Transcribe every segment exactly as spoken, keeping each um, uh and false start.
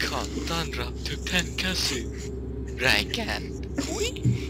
ขอต้อนรับทุกท่านเข้าสู่รายการอุ้ย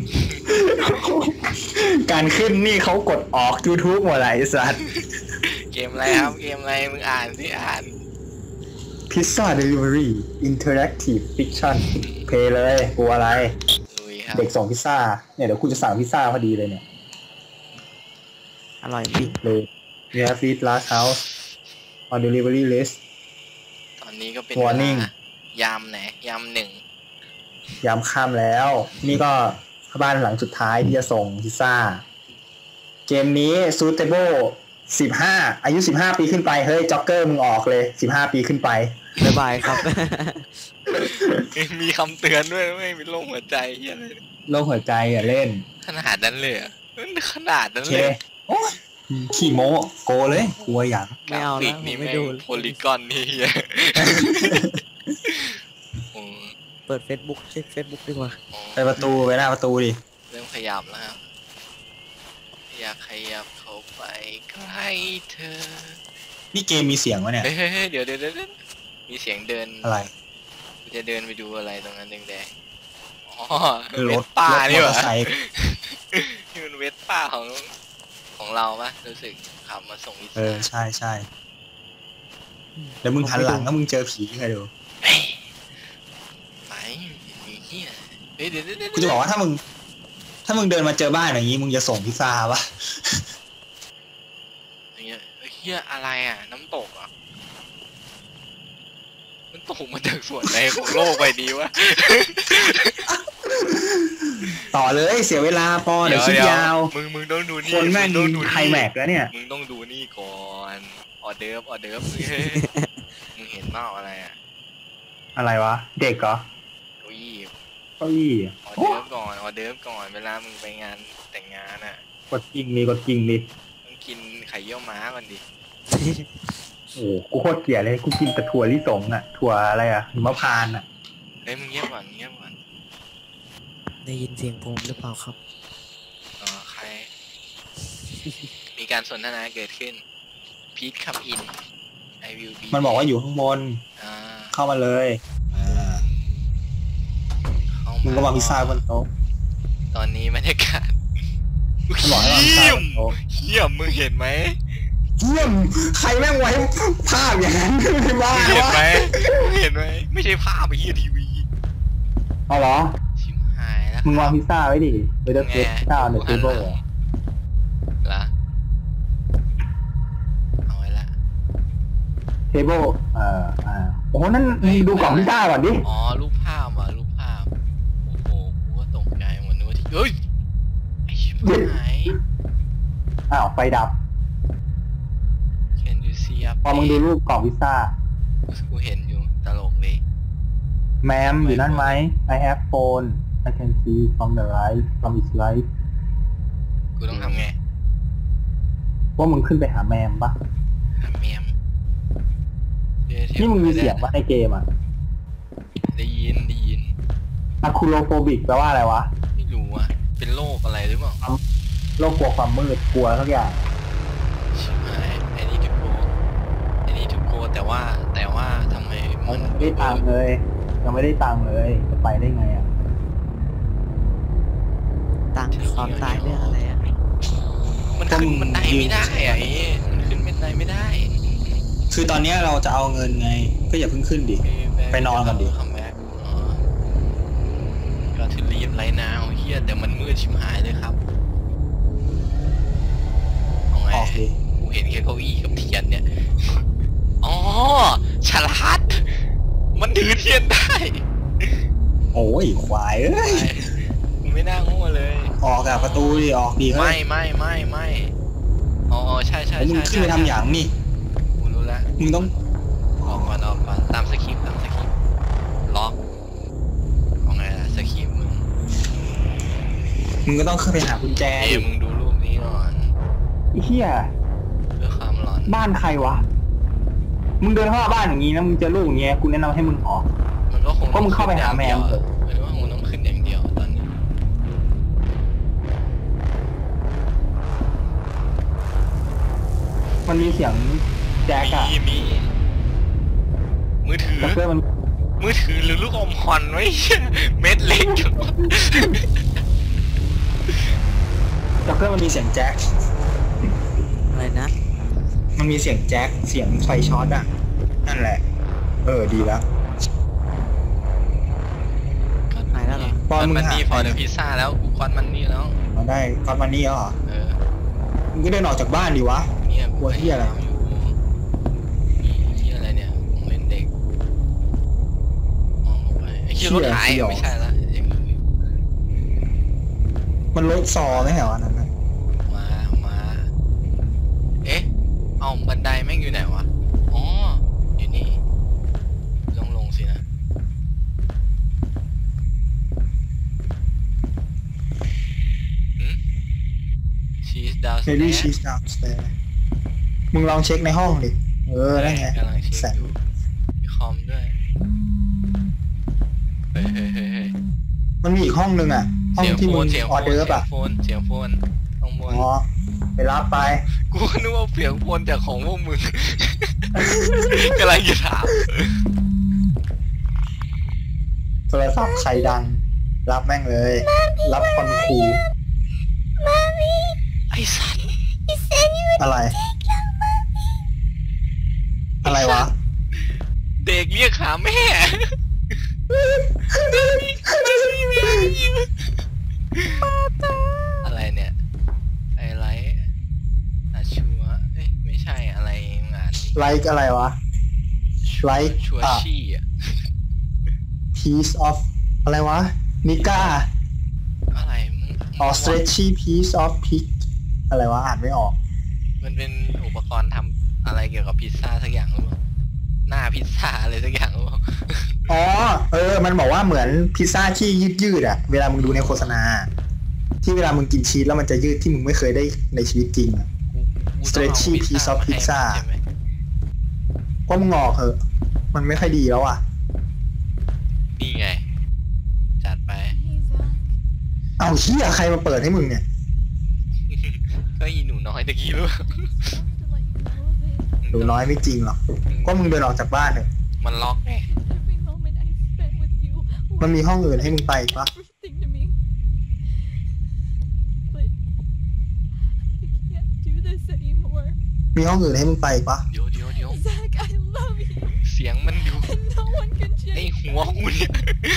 การขึ้นนี่เขากดออก YouTube หมดเลยไอ้สัสเกมอะไรครับเกมอะไรมึงอ่านสิอ่านพิซซ่าเดลิเวอรี่อินเทอร์แอคทีฟฟิกชั่นเพย์เลยกลัวอะไรเด็กส่งพิซซ่าเนี่ยเดี๋ยวคุณจะสั่งพิซซ่าพอดีเลยเนี่ยอร่อยจริงเลยเนี่ยฟีดลาสเฮาส์ออนเดลิเวอรี่ลิสต์ตอนนี้ก็เป็นเวลายามไหนยามหนึ่งยามค่ำแล้วนี่ก็บ้านหลังสุดท้ายที่จะส่งพิซซ่าเกมนี้ซูเตเบิลสิบห้าอายุสิบห้าปีขึ้นไปเฮ้ยจ็อกเกอร์มึงออกเลยสิบห้าปีขึ้นไปบ๊ายบายครับมีคำเตือนด้วยไม่มีโรคหัวใจเหี้ยเลยโรคหัวใจอ่ะเล่นขนาดนั้นเลยอ่ะขนาดนั้นเลยขี้โม้โกเลยกลัวอย่างไม่เอาแล้วนี่ไม่ดูโพลีกอนนี่เปิด Facebook เช็ค Facebook ดีกว่าไปประตูไปหน้าประตูดิเริ่มขยับแล้วครับอยากขยับเข้าไปใกล้เธอนี่เกมมีเสียงวะเนี่ยเฮ้ยเดี๋ยวเดี๋ยวมีเสียงเดินอะไรจะเดินไปดูอะไรตรงนั้นแดงๆอ๋อเวสป้านี่หว่านี่มันเวสป้าของของเราปะรู้สึกขับมาส่งพิซซ่าเออใช่ใช่แล้วมึงหันหลังแล้วมึงเจอผีใครดูไม่มีเหี้ยเฮ้ยเดี๋ยวเดี๋ยวกูจะบอกว่าถ้ามึงถ้ามึงเดินมาเจอบ้านอย่างนี้มึงจะส่งพิซซ่าปะเฮียเฮียอะไรอ่ะน้ำตกอ่ะมันตกมาจากส่วนไหนของโลกใบนี้วะต่อเลยเสียเวลาปอเดี๋ยวคิดยาวมึงมึงต้องดูนี่คนแม่งดูไฮแม็กแล้วเนี่ยมึงต้องดูนี่ก่อนออเดิร์ฟออเดิร์ฟมึงเห็นเปล่าอะไรอ่ะอะไรวะเด็กเหรอเก้าอี้เก้าอี้ออเดิร์ฟก่อนออเดิร์ฟก่อนเวลามึงไปงานแต่งงานอ่ะกดจริงมีกดจริงดิมึงกินไข่เยี่ยวม้าก่อนดิโอ้กูโคตรเกลียดเลยกูกินแต่ถั่วลิสงอ่ะถั่วอะไรอ่ะมะพร้าวอ่ะเฮ้ยมึงเงียบก่อนเงียบก่อนได้ยินเสียงผมหรือเปล่าครับอ๋อใครมีการสนทนาเกิดขึ้นพีทคัมอินไอวิวบีมันบอกว่าอยู่ข้างบนเข้ามาเลยมึงก็วางพิซซ่าบนโต๊ะตอนนี้บรรยากาศมันบอกให้วางพิซซ่าบนโต๊ะเยี่ยมมึงเห็นไหมเยี่ยมใครแม่งไว้ภาพอย่างนั้นไม่บ้าเห็นไหมเห็นไหมไม่ใช่ภาพไอ้เหี้ยทีวีอ๋อเหรอชิมหายแล้วมึงวางพิซซ่าไว้ดิไว้เด็กพิซซ่าในเทเบิลเหรอละเอาไว้ละเทเบิลเอ่ออ่าโอ้โหนั่นดูกล่องพิซซ่าก่อนดิอ๋อรูปภาพอ่ะรูปภาพโอ้โหกูก็ตกใจหมดนึกว่าที่เฮ้ยไอ้ชิบหายอ้าวไฟดับพอมึงดูรูปกล่องพิซซ่ากูเห็นอยู่ตลกเลยแมมอยู่นั่นไหม I have phone I can see from the right from its right กูต้องทำไงว่ามึงขึ้นไปหาแมมปะหาแมมนี่มึงมีเสียงปะในเกมอ่ะได้ยินได้ยินอะคูโลโฟบิกแปลว่าอะไรวะไม่รู้อ่ะเป็นโรคอะไรหรือเปล่าโรคกลัวความมืดกลัวทุกอย่างแต่ว่าแต่ว่าทำไมมันไม่ได้ตังเลยยังไม่ได้ตังเลยจะไปได้ไงอ่ะตังความตายเรื่องอะไรอ่ะมันขึ้นมันได้ไม่ได้อ่ะมันขึ้นไม่ได้ไม่ได้คือตอนนี้เราจะเอาเงินไงก็อย่าเพิ่งขึ้นดิไปนอนกันดิคัมแบ็กก็ถือรีบไรนาวเฮียแต่มันมืดชิบหายเลยครับเอาไงกูเห็นแค่เก้าอี้กับเทียนเนี่ยอ๋อฉลาดมันถือเทียนได้โอ้ยควายเอ้ยไม่น่าโง่เลยออกจากประตูดิออกดีเฮ้ยไม่ไม่ไม่ไม่อ๋อใช่ใช่ใช่มึงขึ้นไปทำอย่างนี่กูรู้แล้วมึงต้องออกก่อนออกก่อนตามสคริปต์ตามสคริปต์ล็อกเอาไงล่ะสคริปต์มึงมึงก็ต้องขึ้นไปหากุญแจเอ้ยมึงดูรูปนี้ก่อนไอ้เหี้ยเพื่อความหลอนบ้านใครวะมึงเดินเข้าบ้านอย่างนี้นะมึงเจอลูกอย่างเงี้ยกูแนะนำให้มึงออกมันก็คงก็มึงเข้าไปหาแมวเถอะหรือว่ามึงต้องขึ้นอย่างเดียวตอนนี้มันมีเสียงแจ็คอะมีมีมือถือเพื่อนมันมือถือหรือลูกอมฮอนไว้เม็ดเล็กจังวะจ็อกเกอร์มันมีเสียงแจ็คอะไรนะมันมีเสียงแจ็คเสียงไฟช็อตอ่ะนั่นแหละเออดีแล้วหายแล้วเหรอปอนมึงมันหานี่พอเดอะพิซซ่าแล้วกูคอนมันนี่แล้วเอาได้ก้อนมันนี่เหรอเออมึงก็เดินออกจากบ้านดิวะเนี่ยกลัวเหี้ยอะไรอยู่มีเหี้ยอะไรเนี่ยของเล่นเด็กมองออกไปไอ้เหี้ยรถหายไม่ใช่ละยังอยู่มันรถซอไม่ใช่เหรออันนั้นน่ะมามาเอ๊ะเอาบันไดแม่งอยู่ไหนวะอ๋ออยู่นี่ลงลงสินะหืม She's เบบี้ downstairs ชีสดาวสเตย์มึงลองเช็คในห้องดิเออได้ไงกำลังเช็แสคงอยู่มีคอมด้วยเฮ้ยเฮ้ยเฮ้ยเฮ้ยมันมีอีกห้องนึงอ่ะห้องเสียงที่โฟมึนงเสียงอโฟอน เดอร์ป่ะเสียงโฟนเสียงโฟนข้างบนอ๋อไปรับไปกูก็นึกว่าเสียงโฟนจากของพวกมึง กำลังจะถามโทรศัพท์ใครดัง รับแม่งเลย รับคอนคูไอ้สัตว์อะไร อะไรวะเด็กเรียกหาแม่ อะไรเนี่ยไอไลท์อาชัวเอ้ยไม่ใช่อะไรงานนี้ไลค์อะไรวะ ไลค์ชัวอ่ะชี่อ่ะ piece of อะไรวะ นิก้าอะไรมึงอ๋อ stretchy piece of pig อะไรวะ อ่านไม่ออกมันเป็นอุปกรณ์ทำอะไรเกี่ยวกับพิซซ่าสักอย่างหรือเปล่าหน้าพิซซ่าอะไรสักอย่างหรือเปล่าอ๋อ เออ มันบอกว่าเหมือนพิซซ่าที่ยืดยืดๆอะเวลามึงดูในโฆษณา ที่เวลามึงกินชีสแล้วมันจะยืดที่มึงไม่เคยได้ในชีวิตจริงอะกูต้องเอา Stretchy พิซซ่า piece of มาให้ pizza ใช่ไหมก็มึงงอกเหอะ มันไม่ค่อยดีแล้วอ่ะนี่ไง จัดไปเอาเชี่ยใครมาเปิดให้มึงเนี่ยก็อีหนูน้อยตะกี้รู้ป่ะหนูน้อยไม่จริงหรอก ก็มึงเดินออกจากบ้านเลยมันล็อกไงมันมีห้องอื่นให้มึงไปอีกปะ มีห้องอื่นให้มึงไปอีกปะเดี๋ยวเดี๋ยวเดี๋ยว Zach, I love you, เสียงมันอยู่ and no one can ใน change. หัวกูเนี่ย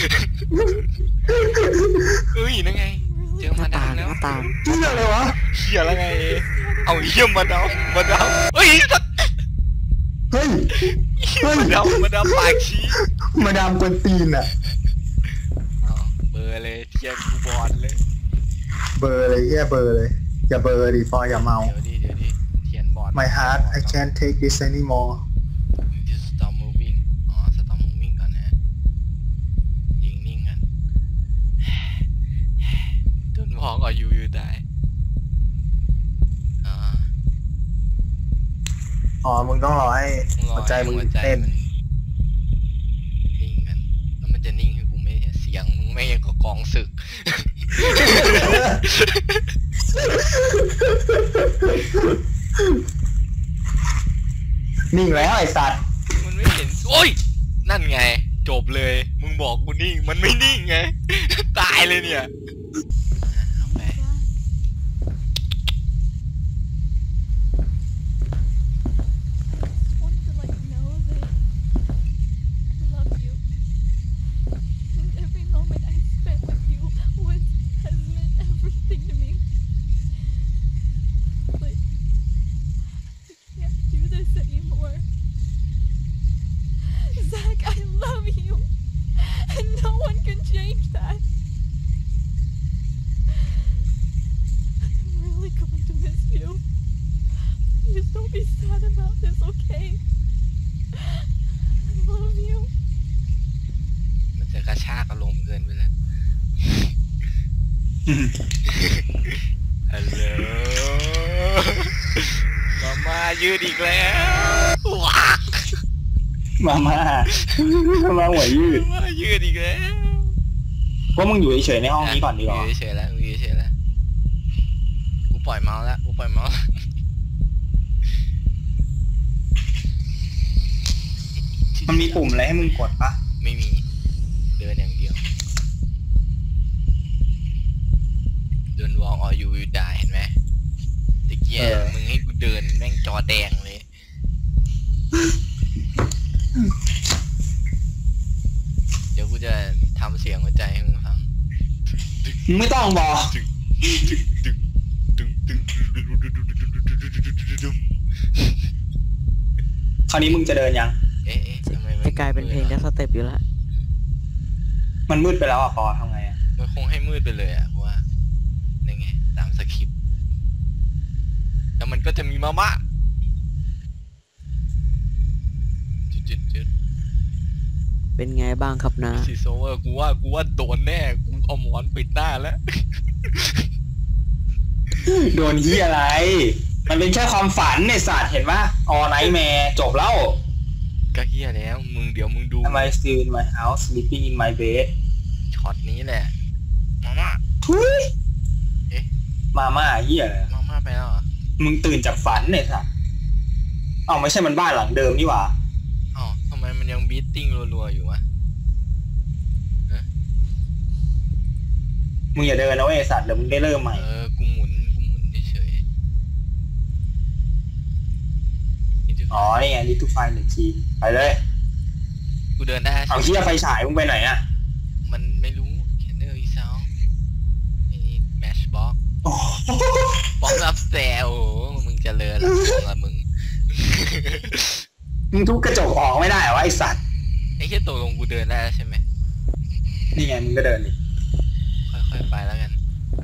เอ้ยนั่นไง เจอหมาน้าดาต่าม งแล้วหน้าต่างเชี่ยอะไรวะเฮียแล้วไง เอาเฮียมาดามมาดามเฮ้ยสัตว์เฮ้ย เฮ้ยมาดามมาดามปากชี้มาดามกวนตีนอะอ๋อเบอร์เลยเทียนกูบอลเลยเบอร์เลยแย่เบอร์เลย อย่าเบอร์ดิฟอยอย่าเมาเดี๋ยวดิเดี๋ยวดิเทียนบอล My heart I can't take this anymore Just stop moving อ๋อ stop moving ก่อนนะยิงนิ่งกัน Don't walk or you will die อ๋ออ๋อ มึงต้องรอให้ต้องรอหัวใจมึงหัวใจเต้นมันนิ่งกัน แล้วมันจะนิ่งให้กูไม่เสียงมึงไม่ยังกับกองศึกนิ่งแล้วไอ้สัตว์มันไม่เห็น โอ้ย นั่นไง จบเลย มึงบอกกูนิ่ง มันไม่นิ่งไง ตายเลยเนี่ยเอาไป I wanted to let you know that I love you. And every moment I spent with you was has meant everything to me. But I can't do this anymore. Zach, I love you. And no one can change that. I'm really going to miss you. Please don't be sad about this, okay? I love you. มันจะกระชากอารมณ์เกินไปแล้ว ฮัลโหล มาม่ายืดอีกแล้วว้ามามามาหัวยืดมาม่ายืดอีกแล้วว่ามึงอยู่เฉยๆในห้องนี้ก่อนดีกว่าอยู่เฉยๆแล้วอยู่เฉยๆแล้ว กูปล่อยเมาส์แล้ว กูปล่อยเมาส์มันมีปุ่มอะไรให้มึงกดปะไม่มีเดินอย่างเดียวเดิน walk or you will die เห็นไหมตะเกียมึงให้กูเดินแม่งจอแดงเลยเดี๋ยวกูจะทำเสียงหัวใจให้มึงฟังมึงไม่ต้องบอกคราวนี้มึงจะเดินยังเอ๊ะเอ๊ะทำไมมันจะกลายเป็นเพลงดัสเต็ปอยู่แล้วมันมืดไปแล้วอ่ะปอทำไงอ่ะมันคงให้มืดไปเลยอ่ะเพราะว่านี่ไงตามสคริปต์แล้วมันก็จะมีมาม่าจุดๆจุดเป็นไงบ้างครับนะซีโซเวอร์กูว่ากูว่าโดนแน่กูเอาหมอนปิดหน้าแล้วโดนที่อะไร มันเป็นแค่ความฝันในศาสตร์เห็นปะออไนท์แมร์จบแล้วก็เฮียแล้วมึงเดี๋ยวมึงดู Am I still in my house sleeping in my bed ช็อตนี้แหละมาม่าทุยเอ๊ะมาม่าเหี้ยอะไรมาม่าไปแล้วเหรอมึงตื่นจากฝันเนี่ยสัสเอ้าไม่ใช่มันบ้านหลังเดิมนี่หว่าอ๋อทำไมมันยังบีทติ้งรัวๆอยู่วะมึงอย่าเดินนะเว้ยไอ้สัตว์เดี๋ยวมึงได้เริ่มใหม่เออกูหมุนกูหมุนเฉยๆนี่จะอ๋อ นี่ไงนี่ทุกไฟหนึ่งทีไปเลยกูเดินได้เอาเหี้ยไฟฉายมึงไปไหนอ่ะมันไม่รู้แคนเดอร์อีซาวไอ้นี่แมชบ็อกโอ้บ็อกรับแซวมึงเจะเลินละละมึงมึงทุบกระจกออกไม่ได้เหรอวะไอ้สัตว์ไอ้แค่ตกลงกูเดินได้แล้วใช่ไหมนี่ไงมึงก็เดินดิค่อยๆไปแล้วกัน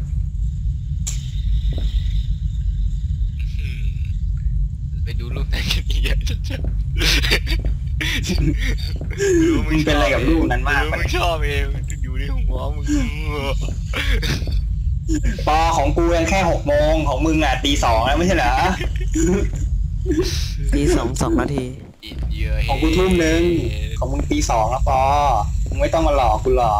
อืมไปดูรูปแต่งกันอีกอย่างจะมึงเป็นอะไรกับรูปนั้นมากมึปะงชอบเองอยู่ในหัวมึงปอของกูยังแค่หกโมงของมึงอ่ะตีสองแล้วไม่ใช่เหรอทีสองสองนาทีของกูทุ่มหนึ่งของมึงตีสองแล้วปอมึงไม่ต้องมาหลอกกูหรอก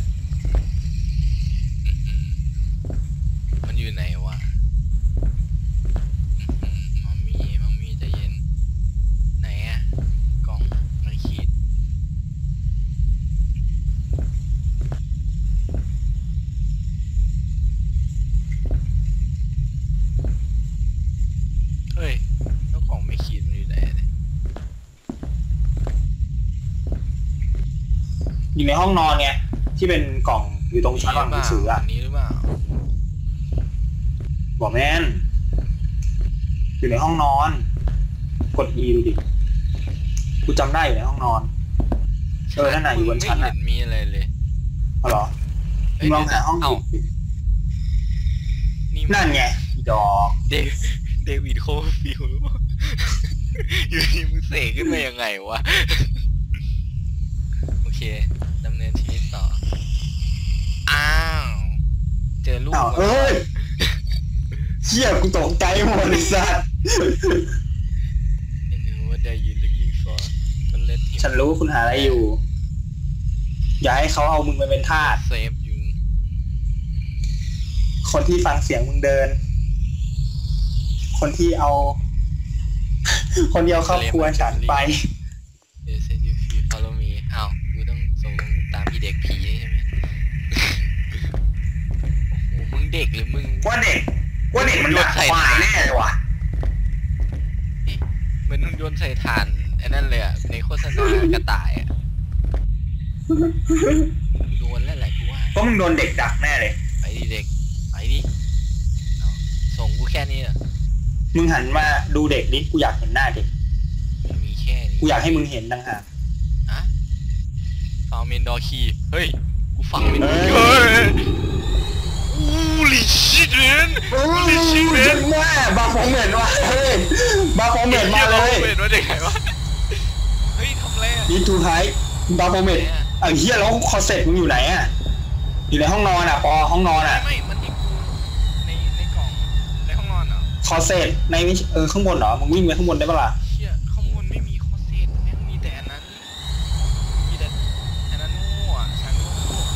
มันอยู่ไหนวะมัมมี่มัมมี่ใจเย็นไหนอะกล่องไม่ขีดเฮ้ยแล้วกล่องไม่ขีดมันอยู่ไหนเนี่ยอยู่ในห้องนอนไงที่เป็นกล่องอยู่ตรงชั้นวางหนังสืออ่ะนี้หรือเปล่าบอกแม่นอยู่ในห้องนอน กด E ดูดิกูจำได้อยู่ในห้องนอนเออนั่นน่ะอยู่บนชั้นไม่อ่ะเห็นมีอะไรเลยเอาเหรอมึงลองหาห้องเอ้าดินี่นั่นไงอีดอกเดวเดวิดโคฟิลหรือเปล่า อยู่ดีมึงเสกขึ้นมายังไงวะ โอเคดำเนินชีวิตต่อ อ้าว เจอลูกอ้าวเอ้ยเชี่ยกูตกใจหมดเลยสัสนี่คือว่าได้ยิน looking for มันเล่นที่ฉันรู้คุณหาอะไรอยู่ อย่าให้เขาเอามึงไปเป็นทาสเซฟอยู่คนที่ฟังเสียงมึงเดิน คนที่เอา คนที่เอาครอบครัวฉันไปเดี๋ยวเซฟยูฟี follow me อ้าวกูต้องส่งตามอีเด็กผีใช่ไหม โอ้โหมึงเด็กหรือมึงว่าเด็กว่าเด็กมันด่าควายแน่เลยว่ะเหมือนมึงโยนใส่ถ่านไอ้นั่นเลยอ่ะในโฆษณากระต่ายอ่ะโดนแล้วแหละกูว่าเพราะมึงโดนเด็กดักแน่เลยไปดิเด็กไปดิเอาส่งกูแค่นี้เหรอมึงหันมาดูเด็กดิกูอยากเห็นหน้าเด็กมันมีแค่นี้กูอยากให้มึงเห็นต่างหากอะฟาวเมนดอร์คีเฮ้ยกูฟังไม่ได้เฮ้ยอู้ลิชิตเรนโอ้ยจังแม่บาฟองเหม็นว่ะเฮ้ยบาฟองเหม็นมาเลยเห็นว่าเด็กไงวะเฮ้ยทำไรอ่ะนี่ทูไทบาฟองเหม็นไอ้เหี้ยแล้วคอเซ็ตมึงอยู่ไหนอ่ะอยู่ในห้องนอนอ่ะปอห้องนอนอ่ะไม่มันที่กูในในกล่องในห้องนอนเหรอคอเซ็ตในเออข้างบนเหรอมึงวิ่งไปข้างบนได้ปะล่ะเชี่ยข้างบนไม่มีคอเซ็ตแม่งมีแต่อันนั้นมีแต่อันนั้นโง่อะฉันโง่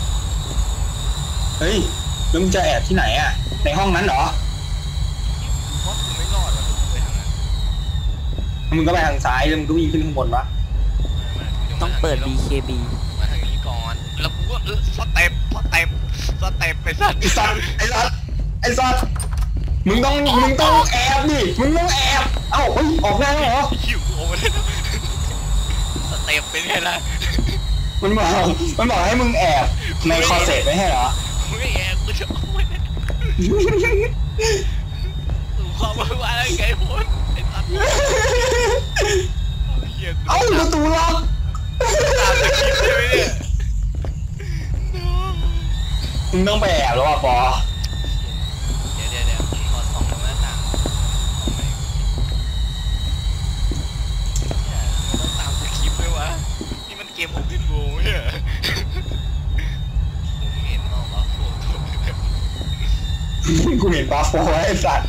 เฮ้ยแล้วมึงจะแอบที่ไหนอ่ะในห้องนั้นเหรอกูว่ากูไม่รอดแล้วกูไปทางนั้นมึงก็ไปทางซ้ายแล้วมึงก็วิ่งขึ้นข้างบนวะไม่ไม่กูจะต้องเปิดมาบีทางเค บีนี้สเต็ปสเต็ปสเต็ปไปสัตว์ไอ้สัตว์ไอ้สัตว์ไอ้สัตว์มึงต้องมึงต้องแอบดิมึงต้องแอบเอ้าเฮ้ยออกได้แล้วเหรอหิวโอ้เลยสเต็ปเป็นไงล่ะมันบอกมันบอกให้มึงแอบในคอเซ็ตไม่ใช่เหรอไม่แอบกูจะเอาไว้สู่ความวุ่นวายแล้วไงพนไอ้สัตว์เอ้าประตูล็อกตามสคริปต์ใช่ไหมเนี่ยมึงต้องไปแอบแล้วอ่ะปอเดี๋ยวเดี๋ยวเดี๋ยวขอส่องตรงหน้าต่างต้องตามสคริปต์ด้วยวะนี่มันเกมโอเพนโวลด์เนี่ยผมเห็นมองว่าโฟโต้กูเห็นบาโฟไอ้สัตว์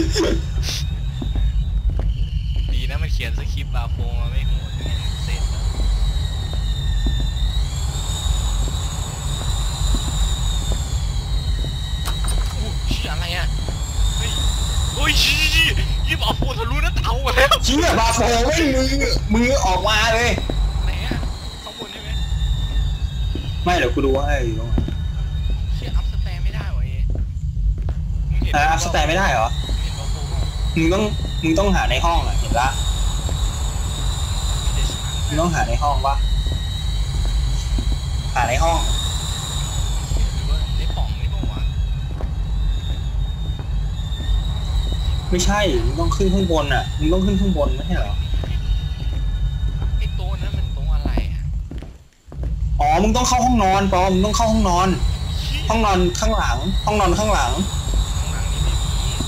ดีนะมันเขียนสคริปต์บาโฟมาไม่โหดไม่งั้นเสร็จแล้วโอ้ชี้อะไรอ่ะเฮ้ยโอ้ยชี้ชี้ยี่บาโฟทะลุหน้าเตาแล้วชี้อะบาโฟไม่มือมือออกมาเลยไหนอ่ะข้างบนใช่ไหมไม่เดี๋ยวกูดูให้อยู่ตรงไหนเชี่ยอัพสแตนไม่ได้วะเอมึงเห็นอ่ะอัพสแตนไม่ได้เหรอเห็นบาโฟมั้งมึงต้องมึงต้องหาในห้องอ่ะเห็นละมีแต่ช้างมึงต้องหาในห้องปะหาในห้องหรือว่าได้ป่องนี่ป่าวะไม่ใช่ มึงต้องขึ้นข้างบนอ่ะ มึงต้องขึ้นข้างบนไม่ใช่เหรอไอ้โต๊ะนั้นมันโต๊ะอะไรอ่ะอ๋อ มึงต้องเข้าห้องนอนปอมึงต้องเข้าห้องนอน ห้องนอนข้างหลัง ห้องนอนข้างหลังข้างหลังนี่ไม่มี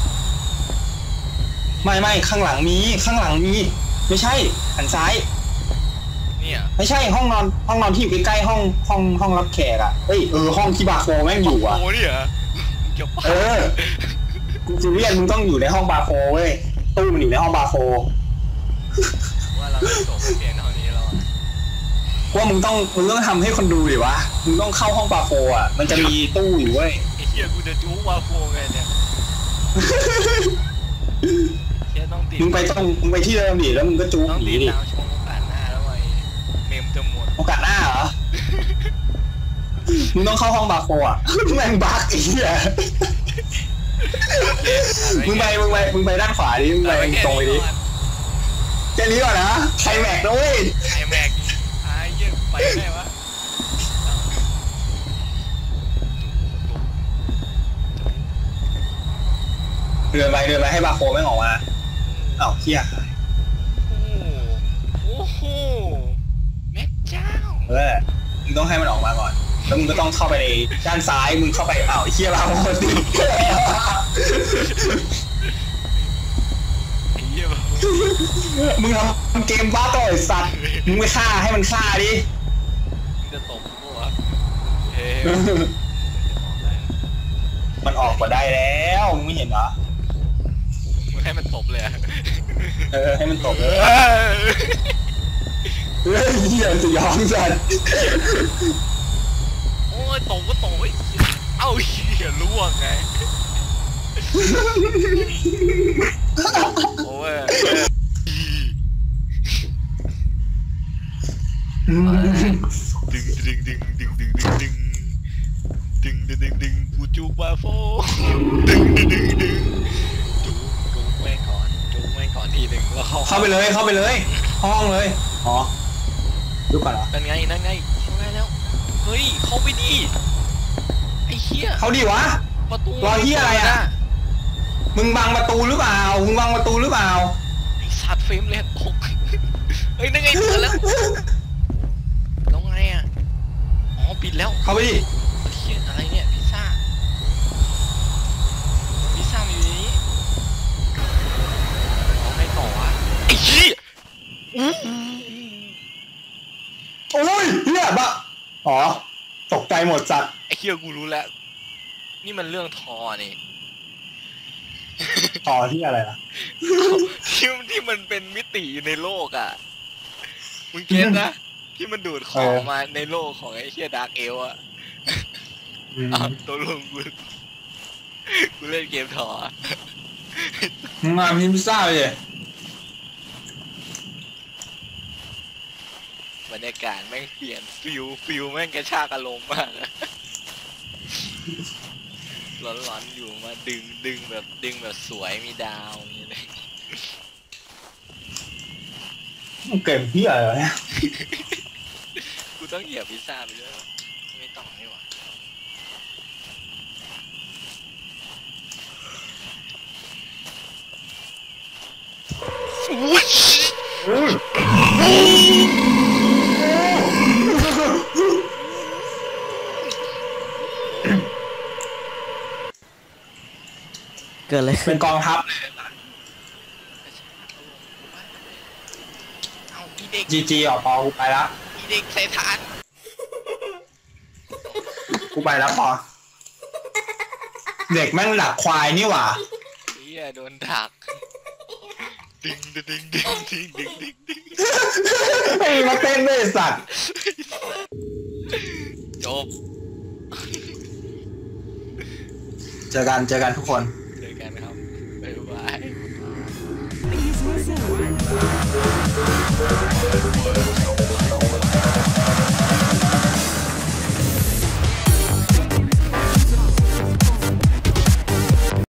ไม่ไม่ข้างหลังมี ข้างหลังมี ไม่ใช่ หันซ้ายเนี่ยไม่ใช่ห้องนอน ห้องนอนที่อยู่ใกล้ๆห้องห้องห้องรับแขกอ่ะเฮ้ย เออ ห้องที่บาโฟแม่งอยู่อ่ะโอ้นี่เหรอเกี่ยวปะเออ กูจะเรียนมึงต้องอยู่ในห้องบาโฟเว้ย ตู้มันอยู่ในห้องบาโฟว่าเราจะจบเพียงเท่านี้แล้วอะว่ามึงต้องมึงต้องทำให้คนดูดิวะ มึงต้องเข้าห้องบาโฟอ่ะ มันจะมีตู้อยู่เว้ยไอ้เหี้ยกูจะจู๊วาโฟไงเนี่ยเชี่ยต้องติดมึงไปต้องมึงไปที่เดิมดิแล้วมึงก็จู๊ต้องหนีติดดิตามชมโอกาสหน้าแล้วไอ้เมมจะหมดโอกาสหน้าเหรอ มึงต้องเข้าห้องบาโฟอ่ะ แม่งบั๊กไอ้เหี้ยมึงไปมึงไปมึงไปด้านขวาดิ มึงไปตรงไปดิแค่นี้ก่อนนะไคลแม็กซ์นะเว้ยไอ้แม็กไอ้เหี้ยไปได้วะเดินไปเดินไปให้บาโฟแม่งออกมาอ้าวเหี้ยโอ้โหแม่เจ้าเออมึงต้องให้มันออกมาก่อน แล้วมึงก็ต้องเข้าไปในด้านซ้าย มึงเข้าไปอ้าวไอ้เหี้ยบาโฟติดไอ้เหี้ยแบบมึงทำเกมบ้าต่อไอ้สัตว์ มึงไปฆ่าให้มันฆ่าดิมึงจะตบกูวะเฮ้ยมันออกมาได้แล้วมึงไม่เห็นเหรอมึงให้มันตบเลยอะเออให้มันตกเลยเฮ้ยเหี้ยจะยอมสัตว์โอ้ยตบก็ตบไอ้เหี้ยเอ้าเหี้ยล่วงไงโอ้ยดึงดึงดึงดึงดึงดึงดึงดึงดึงดึงดึงกูจูบมาโฟดึงดึงดึงดึงจูบจูบแม่งก่อนจูบแม่งก่อนทีหนึ่งแล้วเข้าเข้าไปเลยเข้าไปเลย ห้องเลยอ๋อดูก่อนเหรอนั่นไงนั่นไงเข้าได้แล้วเฮ้ยเข้าไปดิไอ้เหี้ยเขาดิวะประตูรอเหี้ยอะไรอะ มึงบังประตูหรือเปล่ามึงบังประตูหรือเปล่าไอ้สัตว์เฟรมเลยตกเฮ้ยนั่นไงเปิดแล้วแล้วไงอ่ะอ๋อปิดแล้วเข้าไปดิเหี้ยอะไรเนี่ยพิซซ่าพิซซ่ามันอยู่ในนี้เอาไงต่อวะไอ้เหี้ยอู้โอ้ยเหี้ยบะอ๋อตกใจหมดสัตว์ไอ้เหี้ยกูรู้แล้วนี่มันเรื่องทอนี่ต่อที่อะไรล่ะที่ที่มันเป็นมิติอยู่ในโลกอ่ะ มึงเก็ตนะ ที่มันดูดของมาในโลกของไอ้เฮียดาร์กเอลอ่ะอ้าวตัวลงกูกูเล่นเกมถอมึงมาพิมพ์ซ่าเลยบรรยากาศากาศแม่งเปลี่ยนฟิลฟิลแม่งกระชากอารมณ์มากอะร้อนๆอยู่มาดึงดึงแบบดึงแบบสวยมีดาวอย่างเงี้ยเลยเกมเหี้ยอะไรเนี่ยกูต้องเหยียบพิซซ่าไปด้วยไม่ต้องนี่หว่าเกิดอะไรขึ้เป็น นกองทัพเลยเอาอีเด็กจีจีออกปอกูไปแล้วอีเด็กใส่ฐานกูไปแล้วปอเด็กแม่งหลักควายนี่หว่าเฮียโดนดักดึงดึงดึงดึงดึงดึงดึงดึงไอ้มาเต้นด้วยไอ้สัตว์จบเจอกันเจอกันทุกคนเจอกันครับบ๊ายบาย